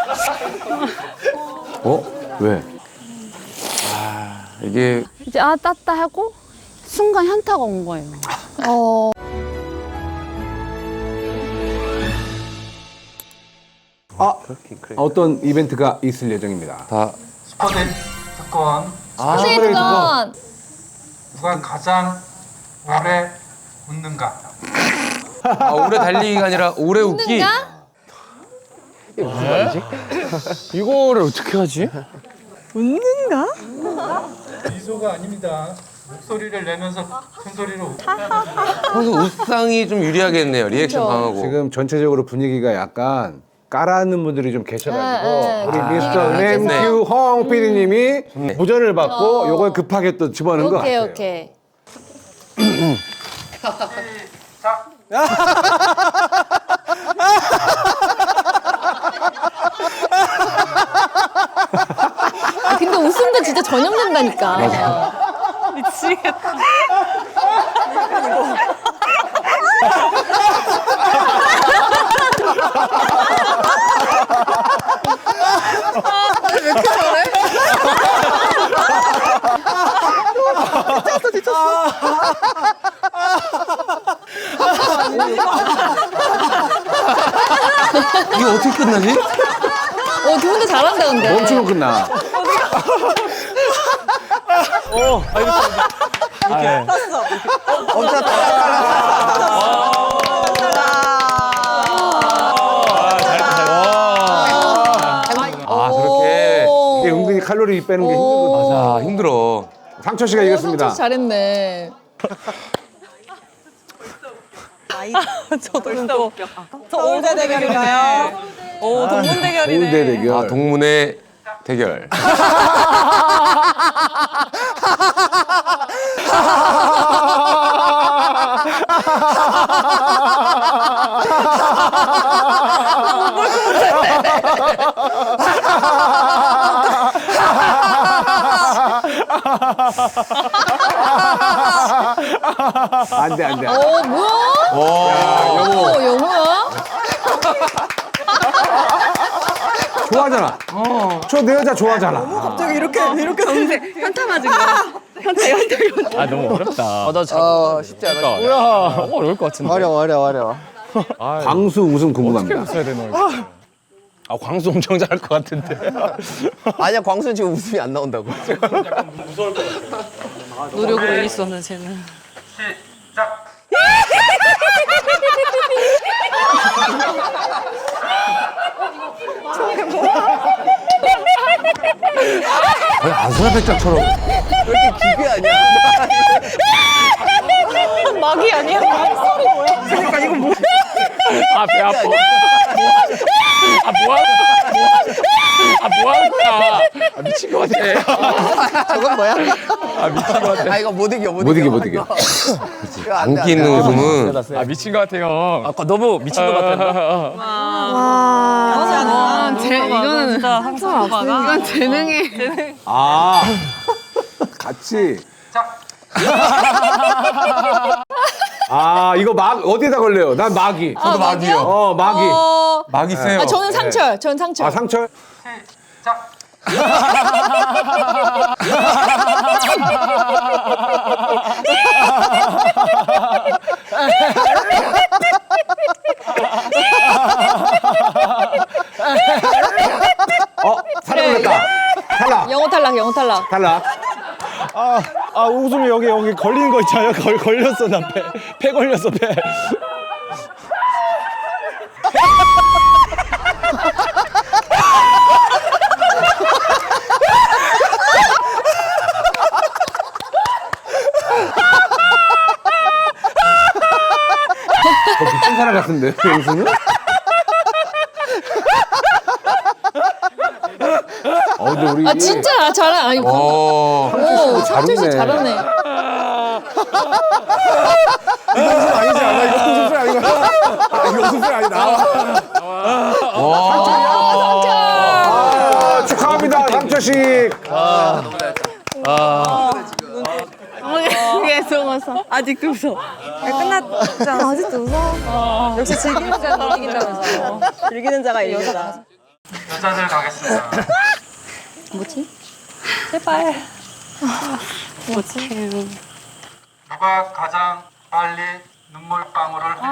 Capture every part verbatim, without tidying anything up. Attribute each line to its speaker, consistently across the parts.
Speaker 1: 어? 왜? 아, 이게
Speaker 2: 이제 아 땄다 하고 순간 현타가 온 거예요.
Speaker 3: 어.
Speaker 1: 아, 어떤 이벤트가 있을 예정입니다.
Speaker 4: 다
Speaker 5: 슈퍼데이 특권.
Speaker 1: 아,
Speaker 3: 세이드건
Speaker 5: 누가 가장 오래 웃는가?
Speaker 4: 아, 오래 달리기가 아니라 오래 웃기.
Speaker 6: 이거를 어떻게 하지?
Speaker 5: 미소가 아닙니다. 목소리를 내면서 큰 소리로 웃-
Speaker 4: 평소 웃상이 좀 유리하겠네요. 리액션 강하고.
Speaker 1: 지금 전체적으로 분위기가 약간 까라는 분들이 좀 계셔가지고
Speaker 3: 네, 네.
Speaker 1: 우리
Speaker 3: 아,
Speaker 1: 미스터
Speaker 4: 네.
Speaker 1: 램큐 홍 피디님이 무전을 받고 요걸 급하게 또 집어넣은 것
Speaker 3: 오케이
Speaker 1: 같아요.
Speaker 3: 오케이. 아, 근데 웃음도 진짜 전염된다니까.
Speaker 2: 미치겠다.
Speaker 4: 이게 어떻게 끝나지?
Speaker 3: 어, 두 분 다 잘한다 근데.
Speaker 1: 멈추면 끝나.
Speaker 4: 아, 저렇게.
Speaker 1: 이게 은근히 칼로리 빼는 게 힘들거든.
Speaker 4: 아, 힘들어.
Speaker 1: 상철 씨가 이겼습니다.
Speaker 3: 성철 잘했네.
Speaker 7: 서울대 대결인가요? 오, 동문 대결이네.
Speaker 1: 서울대 대결.
Speaker 4: 아, 동문의 대결.
Speaker 1: 안돼 안돼.
Speaker 3: 어 뭐야? 어 영호야?
Speaker 1: 좋아하잖아. 저 내 여자 좋아하잖아.
Speaker 7: 갑자기 이렇게 이렇게
Speaker 2: 현타 맞은 거야. 현타 현타.
Speaker 6: 아 너무 어렵다.
Speaker 8: 아, 나 잘. 아, 쉽지 않아.
Speaker 6: 뭐야? 어, 어려울 것 같은데.
Speaker 8: 어려워, 어려워, 어려워.
Speaker 1: 광수 우승 궁금합니다.
Speaker 6: 어떻게 써야 되나 이거. 아 광수 엄청 잘할 것 같은데.
Speaker 8: 아니야, 광수는 지금 웃음이 안 나온다고.
Speaker 2: 노력을 올리었는 쟤는.
Speaker 5: 시작.
Speaker 4: 거의 아수라백작처럼.
Speaker 8: 왜 이렇게 기괴 아니야?
Speaker 2: 막이 아니야?
Speaker 7: 그러니까 이거 뭐
Speaker 6: 아 배 아파. 아 뭐하는 아 뭐하는 거야? 아 미친 것 같아.
Speaker 8: 저건 뭐야?
Speaker 6: 아 미친 것 같아.
Speaker 8: 아, 이거 못 이겨, 못,
Speaker 1: 못 이겨 못 이겨.
Speaker 8: 이거 안 돼, 안
Speaker 4: 안기
Speaker 8: 돼.
Speaker 4: 있는 웃음은.
Speaker 6: 아 미친 것 같아 형. 아까 너무 미친 것 같았나?
Speaker 2: 와, 제 이거는 진짜 항상 이건 재능이.
Speaker 1: 아 같이. 아 이거 막 어디에다 걸려요? 난 마기.
Speaker 4: 저도 막이요.
Speaker 1: 어 마기.
Speaker 3: 어.
Speaker 4: 막 있어요.
Speaker 3: 아 저는 상철. 저는 상철.
Speaker 1: 아 상철.
Speaker 5: 시작.
Speaker 1: 어 탈락 걸렸다. 탈락.
Speaker 3: 영호 탈락. 영호 탈락.
Speaker 1: 탈락.
Speaker 6: 아, 아 웃음이 여기 여기 걸리는 거 있잖아요. 걸 걸렸어 나 배. 배 걸렸어 배.
Speaker 1: 어, 미친 사람 같은데 영수는? 어 근데 우리
Speaker 3: 아 진짜 잘해. 아니 오,
Speaker 4: 어.
Speaker 3: 상철 씨
Speaker 1: 웃네.
Speaker 3: 잘하네.
Speaker 1: 이거 웃음 아니지 않아? 이거 웃음 소리 아니고. 이거 웃음 소리 아니 나와.
Speaker 3: 상철.
Speaker 1: 아, 축하합니다 상철 씨.
Speaker 2: 계속 웃어. 아직도 웃어.
Speaker 7: 끝났잖아. 아직도 웃어. 역시 즐기는 자가 이긴다면서. 즐기는 자가 이긴다.
Speaker 5: 여자들 가겠습니다.
Speaker 3: 뭐지?
Speaker 7: 제발.
Speaker 5: 누가 가장 빨리 눈물방울을 흘리는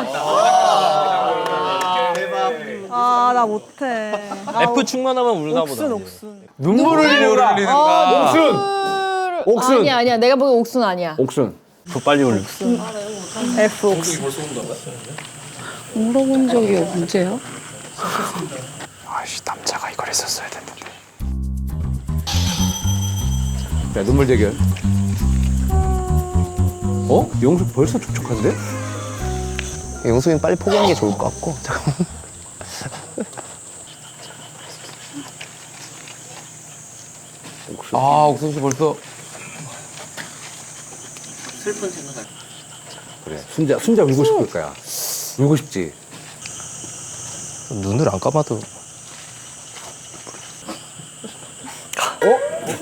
Speaker 7: 아, 나 못해.
Speaker 6: F 충만하면 울나 보다.
Speaker 7: 옥순, 옥순.
Speaker 1: 눈물을 흘리는가?
Speaker 4: 흘리는가?
Speaker 1: 옥순. 옥순.
Speaker 3: 아니야 아니야. 내가 보기엔 옥순 아니야.
Speaker 1: 옥순.
Speaker 6: 더 빨리 울려.
Speaker 7: F 옥순.
Speaker 2: 물어본 적이 언제야?
Speaker 1: 아씨 남자가 이걸 했었어야 됐는데. 자 눈물 대결. 어? 영수 벌써 촉촉한데?
Speaker 8: 영수님 빨리 포기하는 게 좋을 것 같고. 잠깐만.
Speaker 4: 아, 옥순 씨 벌써.
Speaker 1: 그래. 순자 순자 울고 싶을 거야. 울고 싶지.
Speaker 8: 눈을 안 감아도.
Speaker 1: 어?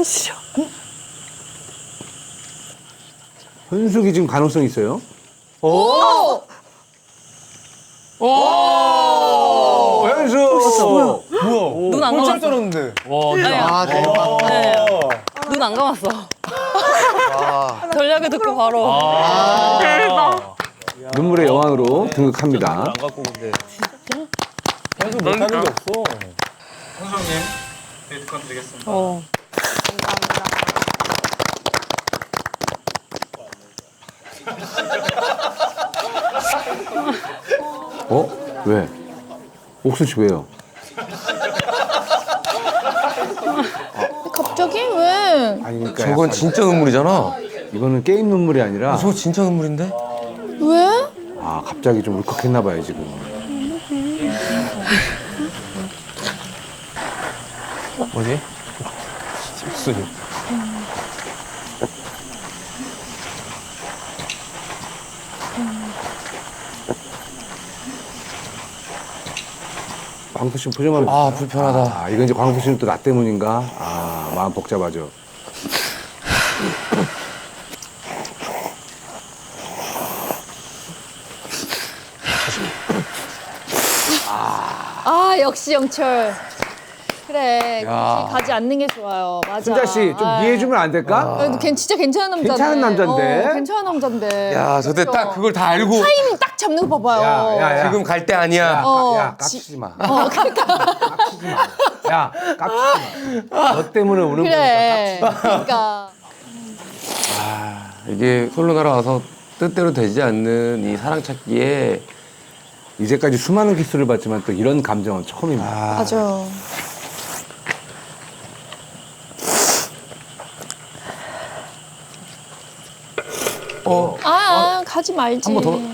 Speaker 1: 현숙이 지금 가능성 있어요? 오! 오! 현숙! 뭐야?
Speaker 2: 눈 안 감았어.
Speaker 1: 떨었는데.
Speaker 8: 아, 대박.
Speaker 2: 눈 안 감았어.
Speaker 8: 아,
Speaker 2: 전략을 듣고 바로.
Speaker 1: 눈물의 여왕으로 등극합니다.
Speaker 6: 안 갖고 근데. 현수 못하는 게 없어.
Speaker 5: 현수님 데이트권 드리겠습니다.
Speaker 2: 어.
Speaker 1: 어? 왜? 옥순 씨 왜요?
Speaker 3: 갑자기 왜?
Speaker 1: 아니 그러니까
Speaker 4: 저건
Speaker 1: 약간
Speaker 4: 진짜 눈물이잖아.
Speaker 1: 이거는 게임 눈물이 아니라
Speaker 4: 저거 진짜 눈물인데?
Speaker 3: 왜?
Speaker 1: 아 갑자기 좀 울컥했나 봐요 지금.
Speaker 8: 뭐지?
Speaker 6: 옥순이.
Speaker 1: 광수 씨 표정만.
Speaker 4: 아, 불편하다.
Speaker 1: 아 이건 이제 광수 씨는 또 나 때문인가? 아 마음 복잡하죠.
Speaker 3: 아 역시 영철. 그래.
Speaker 4: 야.
Speaker 3: 굳이 가지 않는 게 좋아요. 맞아.
Speaker 1: 순자 씨 좀
Speaker 3: 아이.
Speaker 1: 이해해주면 안 될까?
Speaker 3: 그래도 걔 진짜 괜찮은 남자인데.
Speaker 1: 괜찮은 남잔데?
Speaker 3: 어, 괜찮은 남잔데.
Speaker 4: 야, 저때
Speaker 3: 그죠?
Speaker 4: 딱 그걸 다 알고.
Speaker 3: 타이밍 딱 잡는 거 봐봐요.
Speaker 1: 야, 야, 야.
Speaker 4: 지금 갈 때 아니야.
Speaker 3: 어,
Speaker 1: 야
Speaker 3: 지-
Speaker 1: 깝치지 마.
Speaker 3: 어, 그러니까.
Speaker 1: 깝치지 마. 야 깝치지 마. 너 때문에 우는 거니까
Speaker 3: 그래.
Speaker 1: 깝치지 마.
Speaker 3: 그러니까.
Speaker 4: 이게 솔로 날아와서 뜻대로 되지 않는 이 사랑 찾기에
Speaker 1: 이제까지 수많은 키스를 봤지만 또 이런 감정은 처음입니다.
Speaker 3: 맞아.
Speaker 4: 어,
Speaker 3: 아, 아 가지 말지.
Speaker 1: 한 번 더.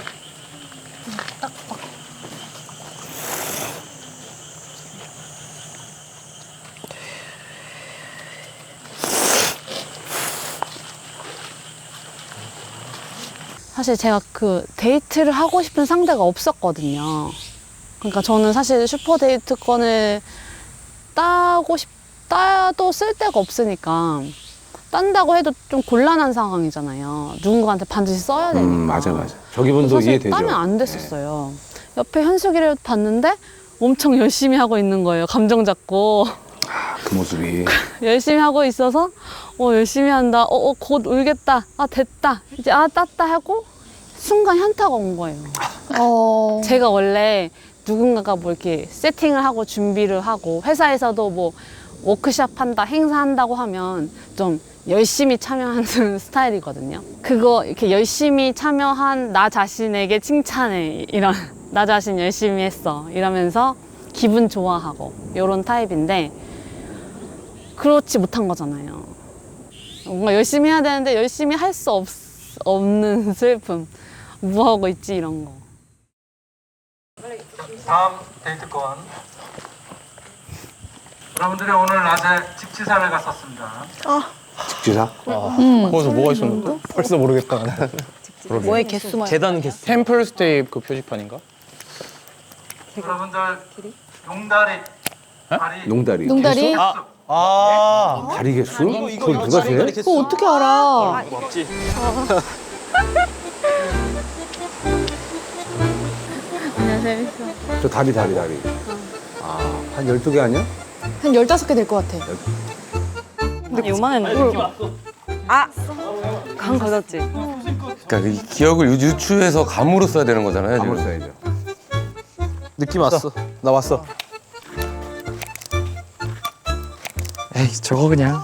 Speaker 2: 사실 제가 그 데이트를 하고 싶은 상대가 없었거든요. 그러니까 저는 사실 슈퍼 데이트권을 따고 싶, 따도 쓸 데가 없으니까 딴다고 해도 좀 곤란한 상황이잖아요. 누군가한테 반드시 써야 되니까.
Speaker 1: 음 맞아 맞아. 저 기분도
Speaker 2: 사실
Speaker 1: 이해되죠.
Speaker 2: 따면 안 됐었어요. 옆에 현숙이를 봤는데 엄청 열심히 하고 있는 거예요. 감정 잡고.
Speaker 1: 아, 그 모습이.
Speaker 2: 열심히 하고 있어서 어 열심히 한다. 어, 어, 곧 울겠다. 아 됐다. 이제 아 땄다 하고 순간 현타가 온 거예요.
Speaker 3: 어.
Speaker 2: 제가 원래 누군가가 뭐 이렇게 세팅을 하고 준비를 하고 회사에서도 뭐 워크숍 한다, 행사한다고 하면 좀 열심히 참여하는 스타일이거든요. 그거 이렇게 열심히 참여한 나 자신에게 칭찬해. 이런 나 자신 열심히 했어. 이러면서 기분 좋아하고 이런 타입인데 그렇지 못한 거잖아요. 뭔가 열심히 해야 되는데 열심히 할 수 없는 슬픔. 뭐 하고 있지 이런 거.
Speaker 5: 다음 데이트권. 여러분들이 오늘 낮에 직지사를 갔었습니다.
Speaker 1: 직지사?
Speaker 6: 거기서 뭐가 있었는데? 벌써 모르겠다.
Speaker 7: 뭐의 개수만.
Speaker 6: 계단 개수. 템플스테이 그 표지판인가?
Speaker 5: 여러분들 용다리 다리
Speaker 1: 농다리.
Speaker 3: 농다리?
Speaker 1: 개수?
Speaker 6: 아.
Speaker 1: 다리 개수? 그걸 누가 세?
Speaker 3: 그거 어떻게 알아?
Speaker 2: 안녕하세요.
Speaker 1: 저 다리 다리 다리. 아 한 열두 개 아니야?
Speaker 3: 한 열다섯 개 될 것 같아.
Speaker 7: 근데 요만했는데. 아! 간 가졌지?
Speaker 4: 그러니까 이 기억을 유- 유추해서 감으로 써야 되는 거잖아요.
Speaker 1: 아무로
Speaker 4: 지금.
Speaker 1: 써야죠.
Speaker 8: 느낌 왔어. 나 왔어.
Speaker 6: 에이 저거 그냥.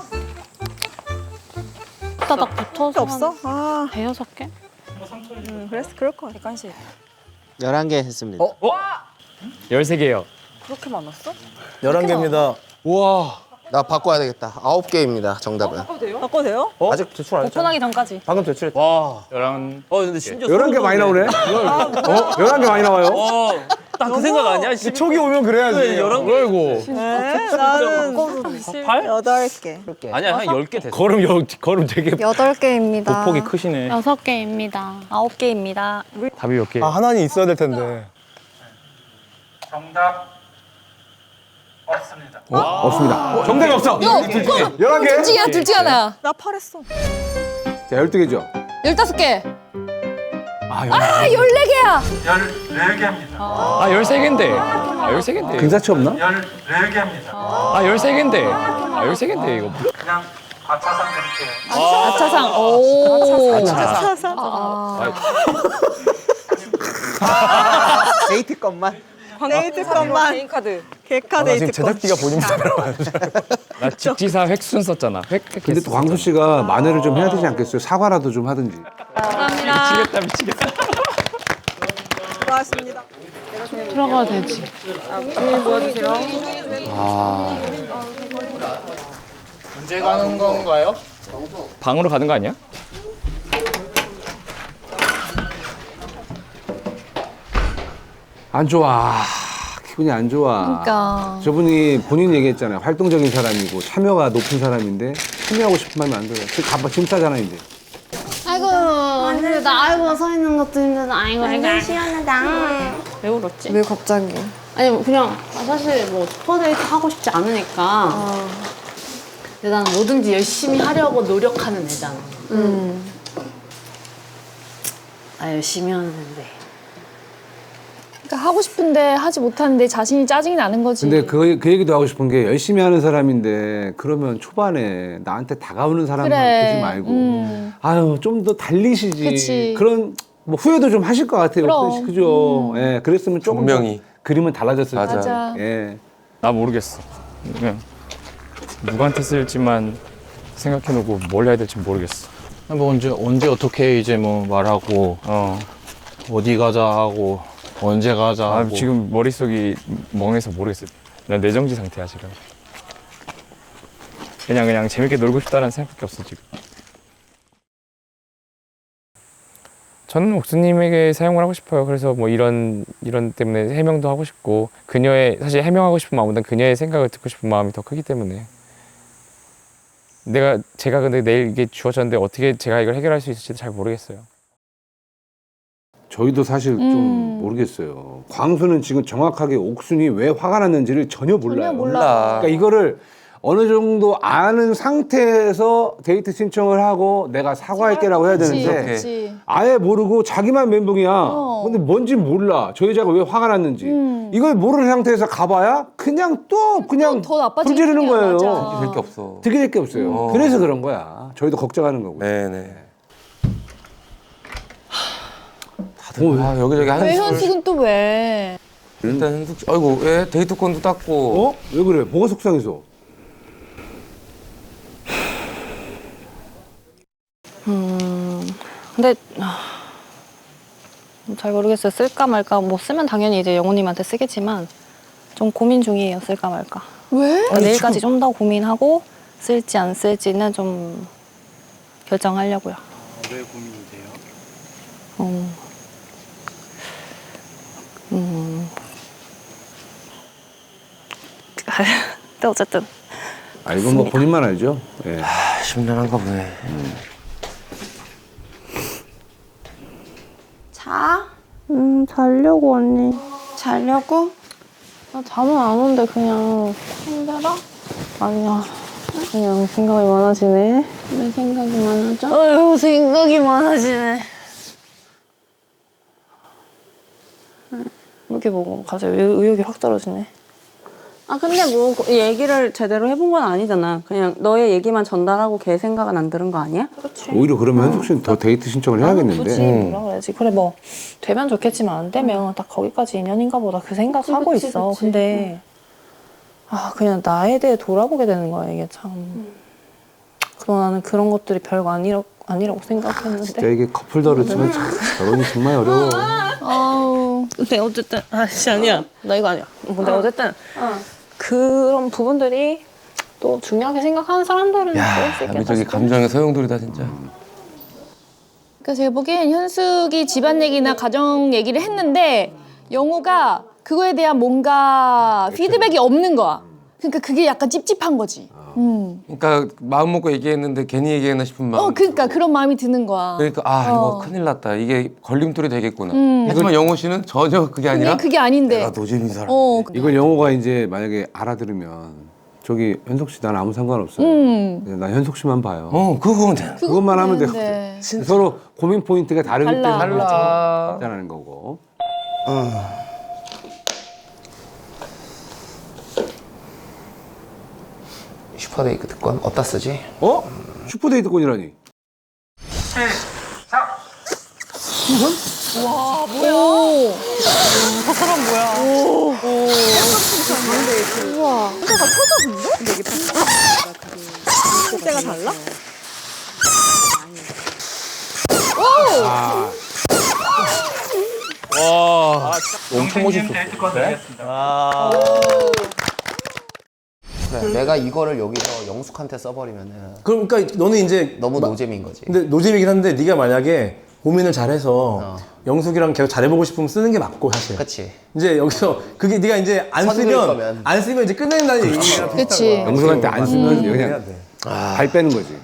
Speaker 2: 따닥 붙어서
Speaker 7: 없어? 아,
Speaker 2: 대여섯 개?
Speaker 7: 음, 그랬어. 그럴 거야. 객관식.
Speaker 8: 열한 개 했습니다.
Speaker 6: 어? 열세 개요.
Speaker 7: 그렇게 많았어?
Speaker 1: 열한 개입니다.
Speaker 8: 우와. 나 바꿔야 되겠다. 아홉 개입니다. 정답은.
Speaker 7: 바꿔도 돼요?
Speaker 1: 아직 제출 안 했잖아.
Speaker 7: 오픈하기 전까지.
Speaker 1: 방금 제출했다.
Speaker 6: 와. 열한.
Speaker 8: 어 근데 심지어
Speaker 1: 열한 개 많이 나오네. 어? 열한 개 많이 나와요?
Speaker 8: 딱 그 생각 아니야?
Speaker 1: 촉이 오면 그래야지.
Speaker 8: 열한 개.
Speaker 6: 아이고.
Speaker 7: 네, 나는 여덟 개.
Speaker 8: 아니야 한 열 개 됐어.
Speaker 6: 걸음 여, 걸음 되게
Speaker 7: 여덟 개입니다.
Speaker 6: 폭이 크시네.
Speaker 2: 여섯 개입니다.
Speaker 7: 아홉 개입니다.
Speaker 6: 답이 몇 개?
Speaker 1: 아, 하나는 있어야 될 텐데.
Speaker 5: 정답 없습니다.
Speaker 1: 없습니다. 정답이 없어. 열한 개?
Speaker 3: 둘 중에 둘 중에 하나.
Speaker 7: 나 팔했어.
Speaker 1: 자, 열두 개죠.
Speaker 3: 열다섯 개.
Speaker 1: 아,
Speaker 3: 아, 열네 개야.
Speaker 5: 열네 개입니다.
Speaker 6: 아 열세 개인데. 아 열세 개인데.
Speaker 1: 근사치 없나?
Speaker 5: 열네 개입니다.
Speaker 6: 아 열세 개인데. 아 열세 개인데 이거.
Speaker 5: 그냥 과차상 드릴게요.
Speaker 3: 아차상. 오.
Speaker 7: 차사.
Speaker 8: 데이트 것만.
Speaker 7: 데이트 것만. 개인 카드. 개카
Speaker 1: 아, 나 지금
Speaker 7: 데이트 것.
Speaker 1: 제작비가 본인보다 들어가요.
Speaker 6: 나 직지사 획순 썼잖아. 획.
Speaker 1: 근데 또 광수 씨가 만회를 좀 해야 되지 않겠어요? 사과라도 좀 하든지.
Speaker 6: 미치겠다 미치겠다.
Speaker 7: 수고하셨습니다.
Speaker 2: 들어가야 되지.
Speaker 6: 방으로 가는 거 아니야?
Speaker 1: 안 좋아. 기분이 안 좋아.
Speaker 3: 그러니까.
Speaker 1: 저분이 본인 얘기했잖아요. 활동적인 사람이고 참여가 높은 사람인데 참여하고 싶은 마음이 안 들어요. 지금 가봐 짐 싸잖아 이제.
Speaker 2: 아이고 힘들다. 아이고 서 있는 것도 힘들다. 아이고 아이고 시원하다. 왜 울었지?
Speaker 3: 왜 갑자기?
Speaker 2: 아니 뭐 그냥 사실 뭐 스포데이트 하고 싶지 않으니까. 근데 나는 뭐든지 열심히 하려고 노력하는 애잖아.
Speaker 3: 음.
Speaker 2: 나 열심히 하는데.
Speaker 3: 그러니까 하고 싶은데 하지 못하는데 자신이 짜증이 나는 거지.
Speaker 1: 근데 그, 그 얘기도 하고 싶은 게 열심히 하는 사람인데 그러면 초반에 나한테 다가오는 사람만
Speaker 3: 그래.
Speaker 1: 보지 말고
Speaker 3: 음.
Speaker 1: 아유 좀 더 달리시지.
Speaker 3: 그치.
Speaker 1: 그런 뭐 후회도 좀 하실 것 같아요.
Speaker 3: 그럼.
Speaker 1: 그죠? 예, 그랬으면 조금 더
Speaker 4: 분명히.
Speaker 1: 그림은 달라졌을
Speaker 4: 맞아.
Speaker 1: 텐데.
Speaker 3: 맞아.
Speaker 1: 예.
Speaker 6: 나 모르겠어. 그냥 누구한테 쓸지만 생각해놓고 뭘 해야 될지 모르겠어.
Speaker 9: 뭐 언제 언제 어떻게 이제 뭐 말하고
Speaker 6: 어.
Speaker 9: 어디 가자 하고 언제 가자
Speaker 6: 아
Speaker 9: 하고
Speaker 6: 지금 머릿속이 멍해서 모르겠어. 난 내정지 상태야 지금. 그냥 그냥 재밌게 놀고 싶다는 생각밖에 없어 지금. 저는 옥수님에게 사용을 하고 싶어요. 그래서 뭐 이런 이런 때문에 해명도 하고 싶고 그녀의 사실 해명하고 싶은 마음보다는 그녀의 생각을 듣고 싶은 마음이 더 크기 때문에 내가 제가 근데 내일 이게 주어졌는데 어떻게 제가 이걸 해결할 수 있을지도 잘 모르겠어요.
Speaker 1: 저희도 사실 좀
Speaker 3: 음.
Speaker 1: 모르겠어요. 광수는 지금 정확하게 옥순이 왜 화가 났는지를 전혀 몰라요.
Speaker 3: 전혀 몰라.
Speaker 1: 그러니까 이거를 어느 정도 아는 상태에서 데이트 신청을 하고 내가 사과할게라고 해야
Speaker 3: 그치,
Speaker 1: 되는데
Speaker 3: 그치.
Speaker 1: 아예 모르고 자기만 멘붕이야.
Speaker 3: 어.
Speaker 1: 근데 뭔지 몰라. 저 여자가 왜 화가 났는지.
Speaker 3: 음.
Speaker 1: 이걸 모르는 상태에서 가봐야 그냥 또 그냥
Speaker 3: 더 나빠지는
Speaker 1: 불지르는
Speaker 3: 거야,
Speaker 1: 거예요.
Speaker 3: 맞아.
Speaker 4: 될 게 없어.
Speaker 1: 되게 될 게 없어요.
Speaker 4: 음.
Speaker 1: 그래서 그런 거야. 저희도 걱정하는 거고.
Speaker 4: 네네. 다들 아, 여기저기
Speaker 3: 왜
Speaker 4: 한숨을.
Speaker 3: 현숙은 또 왜?
Speaker 4: 일단 현숙 씨, 아이고 왜 데이트권도 땄고.
Speaker 1: 어? 왜 그래? 뭐가 속상해서?
Speaker 7: 음, 근데 아, 잘 모르겠어요. 쓸까 말까. 뭐 쓰면 당연히 이제 영호님한테 쓰겠지만 좀 고민 중이에요. 쓸까 말까.
Speaker 3: 왜?
Speaker 7: 그러니까 내일까지 좀 더 고민하고 쓸지 안 쓸지는 좀 결정하려고요.
Speaker 9: 왜 고민이 돼요?
Speaker 7: 음, 음. 근데 어쨌든
Speaker 1: 아, 이건 뭐 본인만 알죠. 예.
Speaker 4: 아, 심란한가 보네.
Speaker 2: 자?
Speaker 7: 음 자려고 언니.
Speaker 2: 자려고?
Speaker 7: 나 잠은 안 오는데 그냥
Speaker 2: 힘들어?
Speaker 7: 아니야. 그냥 생각이 많아지네.
Speaker 2: 왜 생각이 많아져?
Speaker 7: 어휴 생각이 많아지네. 이렇게 보고 갑자기 의- 의욕이 확 떨어지네.
Speaker 10: 아 근데 뭐 이 얘기를 제대로 해본 건 아니잖아. 그냥 너의 얘기만 전달하고 걔 생각은 안 들은 거 아니야?
Speaker 1: 오히려 그러면 현숙 씨는 더 데이트 신청을 해야겠는데.
Speaker 7: 굳이 뭐라 그래야지. 그래 뭐 되면 좋겠지만 안 되면 딱 거기까지 인연인가 보다 그 생각 하고
Speaker 10: 그치,
Speaker 7: 있어.
Speaker 10: 그치.
Speaker 7: 근데 아 그냥 나에 대해 돌아보게 되는 거야 이게 참. 그럼 나는 그런 것들이 별거 아니라, 아니라고 생각했는데.
Speaker 1: 진짜 이게 커플더를 치면 참 결혼이 정말 어려워.
Speaker 3: 아우.
Speaker 7: 근데 어쨌든 아씨 아니야. 나 이거 아니야. 근데 어쨌든 그런 부분들이 또 중요하게 생각하는 사람들은
Speaker 4: 야,
Speaker 7: 그럴 수 있겠다.
Speaker 4: 남이 저기
Speaker 7: 싶어.
Speaker 4: 감정의 소용돌이다 진짜.
Speaker 3: 그러니까 제가 보기엔 현숙이 집안 얘기나 가정 얘기를 했는데 영호가 그거에 대한 뭔가 피드백이 없는 거야. 그러니까 그게 약간 찝찝한 거지. 음.
Speaker 4: 그러니까 마음 먹고 얘기했는데 괜히 얘기했나 싶은 마음.
Speaker 3: 어, 그러니까 그런 마음이 드는 거야.
Speaker 4: 그러니까 아 이거
Speaker 3: 어.
Speaker 4: 큰일 났다. 이게 걸림돌이 되겠구나.
Speaker 3: 음.
Speaker 4: 하지만 영호 씨는 전혀 그게 아니라
Speaker 3: 근데 그게 아닌데.
Speaker 4: 내가 노잼인 사람.
Speaker 3: 어.
Speaker 1: 이걸 영호가 이제 만약에 알아들으면 저기 현숙 씨 난 아무 상관없어요.
Speaker 3: 음.
Speaker 1: 그냥 난 현숙 씨만 봐요.
Speaker 4: 어 그거면 돼.
Speaker 1: 그것만 하면 돼.
Speaker 3: 되는데.
Speaker 1: 서로 고민 포인트가 다르기
Speaker 3: 달라.
Speaker 1: 때문에
Speaker 4: 달라.
Speaker 1: 발전하는 거고.
Speaker 8: 슈퍼데이트 특권 어디다 쓰지?
Speaker 1: 어? 슈퍼데이트권이라니.
Speaker 3: 오.
Speaker 9: 엄청 멋있어.
Speaker 5: 데이트권 드리겠습니다.
Speaker 8: 그래, 내가 이거를 여기서 영숙한테 써버리면은
Speaker 9: 그러니까 너는 이제
Speaker 8: 너무
Speaker 9: 마-
Speaker 8: 노잼인 거지.
Speaker 9: 근데 노잼이긴 한데 네가 만약에 고민을 잘해서
Speaker 8: 어.
Speaker 9: 영숙이랑 계속 잘해보고 싶으면 쓰는 게 맞고 사실.
Speaker 8: 그치.
Speaker 9: 이제 여기서 그게 네가 이제 안
Speaker 8: 선을
Speaker 9: 쓰면
Speaker 8: 거면.
Speaker 9: 안 쓰면 이제 끝낸다는 얘기야.
Speaker 3: 그치.
Speaker 1: 영숙한테 안 쓰면
Speaker 9: 해야
Speaker 1: 그냥
Speaker 9: 돼.
Speaker 1: 발 빼는 거지.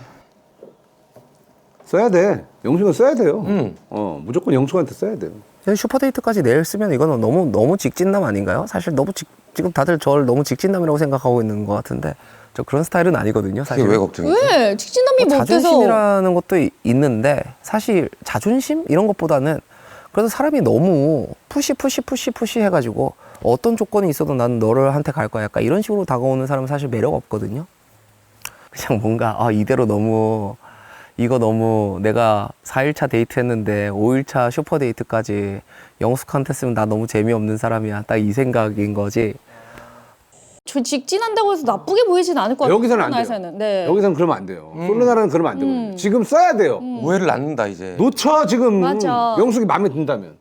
Speaker 1: 써야 돼. 영숙은 써야 돼요.
Speaker 4: 음.
Speaker 1: 어, 무조건 영숙한테 써야 돼요.
Speaker 8: 슈퍼데이트까지 내일 쓰면 이거는 너무 너무 직진남 아닌가요? 사실 너무 직, 지금 다들 저를 너무 직진남이라고 생각하고 있는 것 같은데 저 그런 스타일은 아니거든요. 사실.
Speaker 4: 그게 왜 걱정이지?
Speaker 3: 왜? 직진남이 뭐 어때서?
Speaker 8: 자존심이라는 것도 이- 있는데 사실 자존심 이런 것보다는 그래도 사람이 너무 푸시 푸시 푸시 푸시 해가지고 어떤 조건이 있어도 나는 너를 한테 갈 거야 약간 이런 식으로 다가오는 사람은 사실 매력 없거든요. 그냥 뭔가 아 이대로 너무 이거 너무 내가 사 일차 데이트 했는데 오 일차 슈퍼 데이트까지 영숙한테 쓰면 나 너무 재미없는 사람이야 딱 이 생각인 거지.
Speaker 3: 저 직진한다고 해서 나쁘게 보이진 않을 것 같아요.
Speaker 1: 여기서는 안 돼요.
Speaker 3: 나에서는. 네.
Speaker 1: 여기서는 그러면 안 돼요. 솔로나라는 그러면 안 되거든요. 지금 써야 돼요.
Speaker 4: 오해를 낳는다 이제.
Speaker 1: 놓쳐 지금.
Speaker 3: 맞아.
Speaker 1: 영숙이 마음에 든다면.